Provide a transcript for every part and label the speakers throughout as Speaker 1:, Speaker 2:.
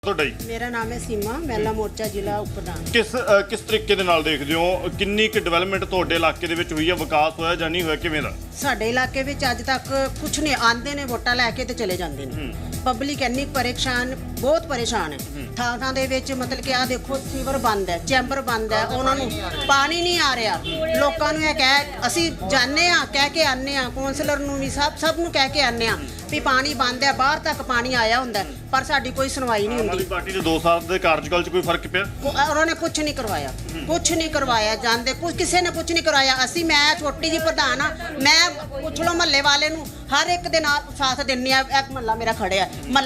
Speaker 1: ਤੁਹਾਡਾ ਜੀ?
Speaker 2: ਮੇਰਾ ਨਾਮ ਹੈ ਸੀਮਾ, ਮਹਿਲਾ ਮੋਰਚਾ ਜ਼ਿਲ੍ਹਾ ਉਪ ਪ੍ਰਧਾਨ।
Speaker 1: ਕਿਸ ਤਰੀਕੇ ਦੇ ਨਾਲ ਦੇਖਦੇ ਹੋ, ਕਿੰਨੀ ਕੁ ਡਿਵੈਲਪਮੈਂਟ ਤੁਹਾਡੇ ਇਲਾਕੇ ਦੇ ਵਿੱਚ ਹੋਈ ਹੈ, ਵਿਕਾਸ ਹੋਇਆ ਜਾਂ ਨਹੀਂ ਹੋਇਆ, ਕਿਵੇਂ ਦਾ?
Speaker 2: ਸਾਡੇ ਇਲਾਕੇ ਵਿੱਚ ਅੱਜ ਤੱਕ ਕੁਝ ਨਹੀਂ, ਆਂਦੇ ਨੇ ਵੋਟਾਂ ਲੈ ਕੇ ਤੇ ਚਲੇ ਜਾਂਦੇ ਨੇ। ਪਬਲਿਕ ਇੰਨੀ ਪਰੇਸ਼ਾਨ, ਬਹੁਤ ਪਰੇਸ਼ਾਨ ਹੈ। ਥਾਂ ਦੇ ਵਿੱਚ ਮਤਲਬ ਕਿ ਆ ਦੇਖੋ, ਸੀਵਰ ਬੰਦ ਹੈ, ਚੈਂਬਰ ਬੰਦ ਹੈ, ਉਹਨਾਂ ਨੂੰ ਪਾਣੀ ਨਹੀਂ ਆ ਰਿਹਾ। ਲੋਕਾਂ ਨੂੰ ਇਹ ਕਹਿ, ਅਸੀਂ ਜਾਣੇ ਆ, ਕਹਿ ਕੇ ਆਨੇ ਆ, ਕੌਂਸਲਰ ਨੂੰ ਵੀ ਸਭ ਨੂੰ ਕਹਿ ਕੇ ਆਨੇ ਆ ਵੀ ਪਾਣੀ ਬੰਦ ਹੈ, ਬਾਹਰ ਤੱਕ ਪਾਣੀ ਆਇਆ ਹੁੰਦਾ, ਪਰ ਸਾਡੀ ਕੋਈ ਸੁਣਵਾਈ ਨਹੀਂ ਹੁੰਦੀ।
Speaker 1: ਪਾਰਟੀ ਦੇ 2 ਸਾਲ ਦੇ ਕਾਰਜਕਾਲ 'ਚ ਕੋਈ ਫਰਕ ਪਿਆ?
Speaker 2: ਉਹਨਾਂ ਨੇ ਕੁਝ ਨਹੀਂ ਕਰਵਾਇਆ, ਕੁਝ ਨਹੀਂ ਕਰਵਾਇਆ, ਜਾਂਦੇ ਕਿਸੇ ਨੇ ਕੁਝ ਨਹੀਂ ਕਰਵਾਇਆ। ਮੈਂ ਛੋਟੀ ਜੀ ਪ੍ਰਧਾਨ ਆ, ਮੈਂ ਪੁੱਛ ਲਓ ਮਹੱਲੇ ਵਾਲੇ ਨੂੰ, ਹਰ ਇੱਕ ਦੇ ਨਾਲ ਸਾਥ ਦਿੰਨੀ ਆ। ਇੱਕ ਮਹੱਲਾ ਮੇਰਾ ਖੜਿਆ,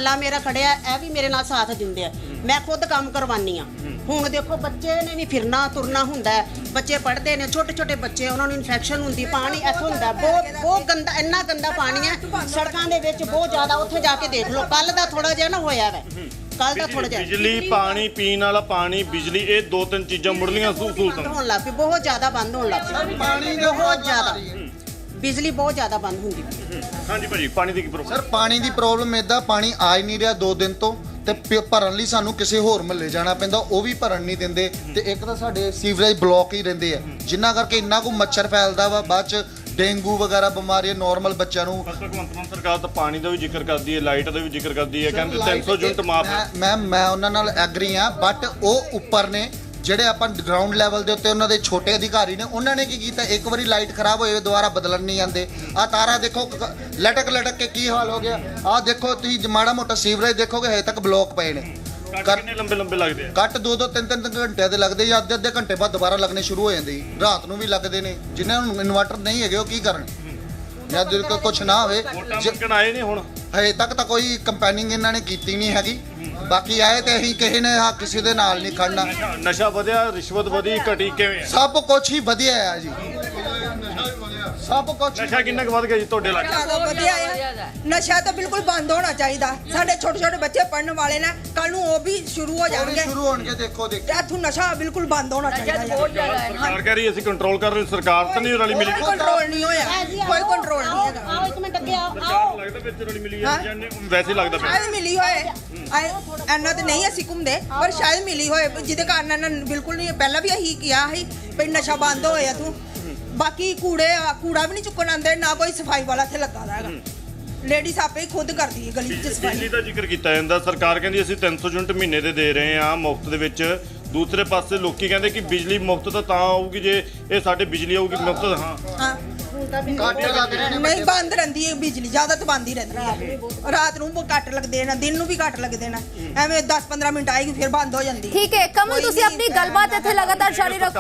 Speaker 2: ਇਹ ਵੀ ਮੇਰੇ ਨਾਲ ਸਾਥ ਦਿੰਦੇ ਆ। ਮੈਂ ਖੁਦ ਕੰਮ ਕਰਵਾਨੀ ਆ। ਹੁਣ ਦੇਖੋ, ਬੱਚੇ ਨੇ ਵੀ ਫਿਰਨਾ ਤੁਰਨਾ ਹੁੰਦਾ, ਬੱਚੇ ਪੜ੍ਹਦੇ ਨੇ, ਛੋਟੇ ਛੋਟੇ ਬੱਚੇ, ਉਹਨਾਂ ਨੂੰ ਇਨਫੈਕਸ਼ਨ ਹੁੰਦੀ, ਪਾਣੀ ਇੱਥੋਂ ਹੁੰਦਾ ਬਹੁਤ ਗੰਦਾ, ਇੰਨਾ ਗੰਦਾ ਪਾਣੀ ਹੈ ਸੜਕਾਂ ਦੇ ਵਿੱਚ, ਬਹੁਤ ਜ਼ਿਆਦਾ। ਉੱਥੇ ਜਾ ਕੇ ਦੇਖ ਲਓ, ਕੱਲ ਦਾ ਥੋੜਾ ਜਿਹਾ ਨਾ ਹੋਇਆ ਵੈ, ਕੱਲ ਦਾ ਥੋੜਾ ਜਿਹਾ।
Speaker 1: ਬਿਜਲੀ, ਪਾਣੀ, ਪੀਣ ਵਾਲਾ ਪਾਣੀ, ਬਿਜਲੀ, ਇਹ 2-3 ਚੀਜ਼ਾਂ ਮੁੱਢਲੀਆਂ ਸਹੂਲਤਾਂ
Speaker 2: ਹੋਣ ਲੱਗ ਪਈ, ਬਹੁਤ ਜ਼ਿਆਦਾ ਬੰਦ ਹੋਣ ਲੱਗ ਪਈ। ਪਾਣੀ ਬਹੁਤ ਜ਼ਿਆਦਾ, ਬਿਜਲੀ ਬਹੁਤ ਜ਼ਿਆਦਾ ਬੰਦ ਹੁੰਦੀ।
Speaker 1: ਹਾਂਜੀ ਭਾਜੀ, ਪਾਣੀ ਦੀ ਕੀ ਪ੍ਰੋਬਲਮ?
Speaker 3: ਸਰ, ਪਾਣੀ ਦੀ ਪ੍ਰੋਬਲਮ ਇਦਾਂ, ਪਾਣੀ ਆ ਹੀ ਨਹੀਂ ਰਿਹਾ 2 ਦਿਨ ਤੋਂ, ਤੇ ਭਰਨ ਲਈ ਸਾਨੂੰ ਕਿਸੇ ਹੋਰ ਮਹੱਲੇ ਜਾਣਾ ਪੈਂਦਾ, ਉਹ ਵੀ ਭਰਨ ਨਹੀਂ ਦਿੰਦੇ। ਤੇ ਇੱਕ ਤਾਂ ਸਾਡੇ ਸੀਵਰੇਜ ਬਲੌਕ ਹੀ ਰਹਿੰਦੇ ਆ, ਜਿਨ੍ਹਾਂ ਕਰਕੇ ਇੰਨਾ ਕੁ ਮੱਛਰ ਫੈਲਦਾ ਵਾ, ਬਾਅਦ ਚ ਡੇਂਗੂ ਵਗੈਰਾ ਬਿਮਾਰੀਆਂ ਨਾਰਮਲ ਬੱਚਿਆਂ ਨੂੰ।
Speaker 1: ਭਗਵੰਤ ਮਾਨ ਸਰਕਾਰ ਤਾਂ ਪਾਣੀ ਦਾ ਵੀ ਜ਼ਿਕਰ ਕਰਦੀ ਹੈ, ਲਾਈਟ ਦਾ ਵੀ ਜ਼ਿਕਰ ਕਰਦੀ ਹੈ, ਕਹਿੰਦੇ 300 ਯੂਨਿਟ ਮਾਫ।
Speaker 3: ਮੈਂ ਉਹਨਾਂ ਨਾਲ ਐਗਰੀ ਆ, ਬਟ ਉਹ ਉੱਪਰ ਨੇ, ਜਿਹੜੇ ਆਪਾਂ ਗਰਾਊਂਡ ਲੈਵਲ ਦੇ ਉੱਤੇ ਉਹਨਾਂ ਦੇ ਛੋਟੇ ਅਧਿਕਾਰੀ ਨੇ, ਉਹਨਾਂ ਨੇ ਕੀ ਕੀਤਾ, ਇੱਕ ਵਾਰੀ ਲਾਈਟ ਖਰਾਬ ਹੋਏ ਦੁਬਾਰਾ ਬਦਲਣ ਨਹੀਂ ਆਉਂਦੇ। ਆ ਤਾਰਾ ਦੇਖੋ ਲਟਕ ਕੇ ਕੀ ਹਾਲ ਹੋ ਗਿਆ। ਆ ਦੇਖੋ ਤੁਸੀਂ, ਮਾੜਾ ਮੋਟਾ ਸੀਵਰੇਜ ਦੇਖੋਗੇ, ਹਜੇ ਤੱਕ ਬਲੌਕ ਪਏ ਨੇ।
Speaker 1: ਕਿੰਨੇ ਲੰਬੇ ਲੱਗਦੇ ਆ?
Speaker 3: ਕੱਟ 2-2 3-3 ਘੰਟਿਆਂ ਦੇ ਲੱਗਦੇ, ਜਾਂ ਅੱਧੇ ਘੰਟੇ ਬਾਅਦ ਦੁਬਾਰਾ ਲੱਗਣੇ ਸ਼ੁਰੂ ਹੋ ਜਾਂਦੇ। ਰਾਤ ਨੂੰ ਵੀ ਲੱਗਦੇ ਨੇ। ਜਿਨ੍ਹਾਂ ਨੂੰ ਇਨਵਰਟਰ ਨਹੀਂ ਹੈਗੇ ਉਹ ਕੀ ਕਰਨ, ਜਦ ਕੁਝ ਨਾ ਹੋਵੇ।
Speaker 1: ਆਏ ਨੇ ਹੁਣ,
Speaker 3: ਹਜੇ ਤੱਕ ਤਾਂ ਕੋਈ ਕੰਪੇਨਿੰਗ ਇਹਨਾਂ ਨੇ ਕੀਤੀ ਨਹੀਂ ਹੈਗੀ। ਬਾਕੀ ਆਏ ਤੇ ਅਸੀਂ ਕਿਸੇ ਨੇ ਕਿਸੇ ਦੇ ਨਾਲ ਨਹੀਂ ਖੜਨਾ।
Speaker 1: ਨਸ਼ਾ ਵਧਿਆ, ਰਿਸ਼ਵਤ ਵਧੀ, ਘਟੀ, ਕਿਵੇਂ?
Speaker 3: ਸਭ ਕੁਝ ਹੀ ਵਧੀਆ ਆ ਜੀ, ਸਭ ਕੁਝ।
Speaker 1: ਨਸ਼ਾ ਕਿੰਨਾ ਕੁ ਵੱਧ ਗਿਆ ਜੀ ਤੁਹਾਡੇ ਇਲਾਕੇ?
Speaker 4: ਵਧੀਆ ਆ। ਨਸ਼ਾ ਤਾਂ ਬਿਲਕੁਲ ਬੰਦ ਹੋਣਾ ਚਾਹੀਦਾ। ਸਾਡੇ ਛੋਟੇ ਛੋਟੇ ਬੱਚੇ ਪੜਨ ਵਾਲੇ ਨੇ, ਕੱਲ ਨੂੰ ਉਹ ਵੀ ਸ਼ੁਰੂ ਹੋ ਜਾਣਗੇ।
Speaker 3: ਦੇਖੋ
Speaker 4: ਇੱਥੋਂ ਨਸ਼ਾ ਬਿਲਕੁਲ ਬੰਦ ਹੋਣਾ ਚਾਹੀਦਾ।
Speaker 1: ਸਰਕਾਰ ਕਹਿ ਰਹੀ ਅਸੀਂ ਕੰਟਰੋਲ ਕਰ ਰਹੇ, ਸਰਕਾਰ ਤਾਂ ਨਹੀਂ ਰਲੀ ਮਿਲੀ।
Speaker 4: ਕੋਈ ਕੰਟਰੋਲ ਨਹੀਂ ਹੋਇਆ, ਕੋਈ ਕੰਟਰੋਲ ਨਹੀਂ ਹੈਗਾ।
Speaker 2: ਆਓ ਇੱਕ ਮਿੰਟ ਅੱਗੇ ਆਓ।
Speaker 1: ਸਰਕਾਰ ਲੱਗਦਾ ਵਿੱਚ ਰਲੀ ਮਿਲੀ ਹੈ ਜਾਂ ਵੈਸੇ ਲੱਗਦਾ ਪਿਆ?
Speaker 4: ਸ਼ਾਇਦ ਮਿਲੀ ਹੋਏ, ਇੰਨਾ ਤੇ ਨਹੀਂ ਅਸੀਂ ਘੁੰਮਦੇ, ਪਰ ਸ਼ਾਇਦ ਮਿਲੀ ਹੋਏ, ਜਿਹਦੇ ਕਾਰਨ ਇਹਨਾਂ ਬਿਲਕੁਲ ਨਹੀਂ। ਪਹਿਲਾਂ ਵੀ ਇਹੀ ਕਿਹਾ ਸੀ ਵੀ ਨਸ਼ਾ ਬੰਦ ਹੋਇਆ ਤੂੰ। ਬਾਕੀ ਕੂੜਾ ਵੀ ਨਹੀਂ ਚੁੱਕਣ ਆਉਂਦੇ, ਨਾ ਕੋਈ ਸਫਾਈ ਵਾਲਾ ਇੱਥੇ ਲੱਗਾ ਹੈਗਾ। ਲੇਡੀਜ਼ ਆਪੇ ਹੀ ਖੁਦ ਕਰਦੀ ਹੈ ਗਲੀ 'ਚ ਸਫਾਈ।
Speaker 1: ਬਿਜਲੀ ਦਾ ਜ਼ਿਕਰ ਕੀਤਾ ਜਾਂਦਾ, ਸਰਕਾਰ ਕਹਿੰਦੀ ਅਸੀਂ 300 ਯੂਨਿਟ ਮਹੀਨੇ ਦੇ ਰਹੇ ਹਾਂ ਮੁਫਤ ਦੇ ਵਿੱਚ। ਦੂਸਰੇ ਪਾਸੇ ਲੋਕੀ ਕਹਿੰਦੇ ਕਿ ਬਿਜਲੀ ਮੁਫਤ ਤਾਂ ਆਊਗੀ ਜੇ ਇਹ ਸਾਡੇ ਬਿਜਲੀ ਆਊਗੀ ਮੁਫਤ। ਹਾਂ,
Speaker 4: ਨਹੀਂ, ਬੰਦ ਰਹਿੰਦੀ ਹੈ ਬਿਜਲੀ, ਜ਼ਿਆਦਾ ਤਾਂ ਬੰਦ ਹੀ ਰਹਿੰਦੀ ਹੈ। ਰਾਤ ਨੂੰ ਕੱਟ ਲੱਗਦੇ ਨੇ, ਦਿਨ ਨੂੰ ਵੀ ਕੱਟ ਲੱਗਦੇ ਨੇ। ਐਵੇਂ 10-15 ਮਿੰਟ ਆਏਗੀ, ਫਿਰ ਬੰਦ ਹੋ ਜਾਂਦੀ ਹੈ।
Speaker 5: ਠੀਕ ਹੈ ਕਮਲ, ਤੁਸੀਂ ਆਪਣੀ ਗੱਲਬਾਤ ਇੱਥੇ ਲਗਾਤਾਰ ਜਾਰੀ ਰੱਖੋ।